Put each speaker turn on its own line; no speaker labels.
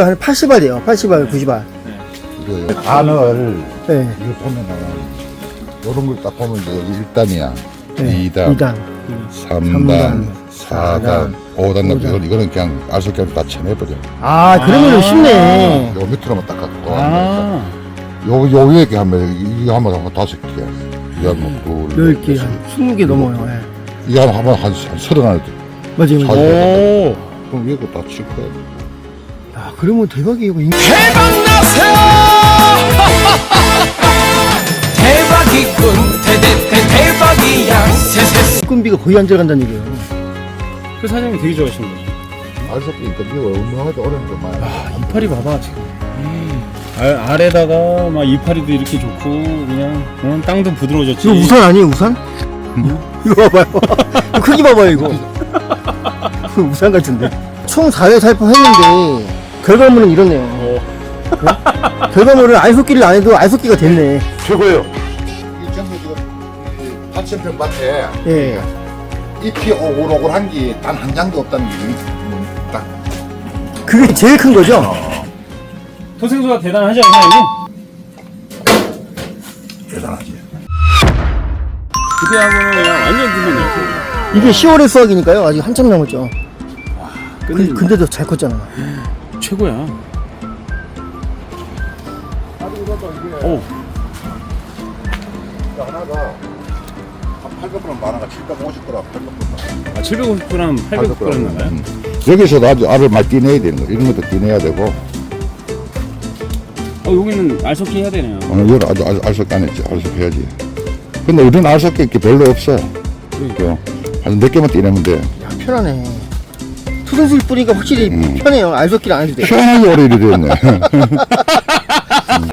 그러니까 한 80알이에요. 80알, 90알.
이거요. 안을
네.
이거 보면은 요런 걸 딱 보면 이제 여기 1단이야.
네,
2단,
2단,
3단, 4단, 5단,
오단.
이거는 그냥 알속기로 다 쳐내버려.
아, 그러면 쉽네.
요 밑으로만 딱 갖고
아.
요 위에 게 하면 이거 하면 한 5개. 이거 하면 둘,
10개, 한 20개 넘어요. 예.
이거 하면 한 30개.
맞아요, 맞아요.
오.
그럼 위에 거다 칠 거야.
야, 그러면 대박이에요. 이거.
대박이군 대박이야
인건비가 거의 안 들어간다는 얘기예요.
그 사장님 되게 좋아하시는 거죠.
알속기니까 이거 얼마나 어려운 게 많아.
아, 이파리 봐봐 지금. 아래다가 막 이파리도 이렇게 좋고 그냥 땅도 부드러워졌지.
이거 우산 아니에요, 우산? 이거 봐봐요. 이거 크기 봐봐요, 이거. 이거 우산 같은데. 총 4회 살포했는데, 결과물은 이렇네요. 결과물은 알속기를 안 해도 알속기가 됐네.
최고예요. 이 전부 지금 파천평 밭에
예.
잎이 오글오글한 게 단 한 장도 없다는 게 딱
그게 제일 큰 거죠?
토생수가 대단하지 않나요?
대단하지.
그때하고는 그냥 완전 틀리네요.
이게 10월의 수확이니까요. 아직 한참 남았죠.
끝내준다.
근데도 잘 컸잖아.
최고야. 오.
하나가 한 800g 많아가 750g, 800g.
아, 750g, 800g 나가요?
여기서도 아주 알을 많이 띠내야 되는 거. 이런 것도 띠내야 되고.
여기는 알속기 해야 되네요.
오늘 이걸 아주 알속기 안 했지. 알속기 해야지. 근데 우리는 알속기 이렇게 별로 없어. 그러니까 한 몇 개만 띠내면 돼.
야, 편하네. 투순술 뿌리니까 확실히 편해요. 알속기를 안 해도 돼.
편하게 오래 일이 됐네.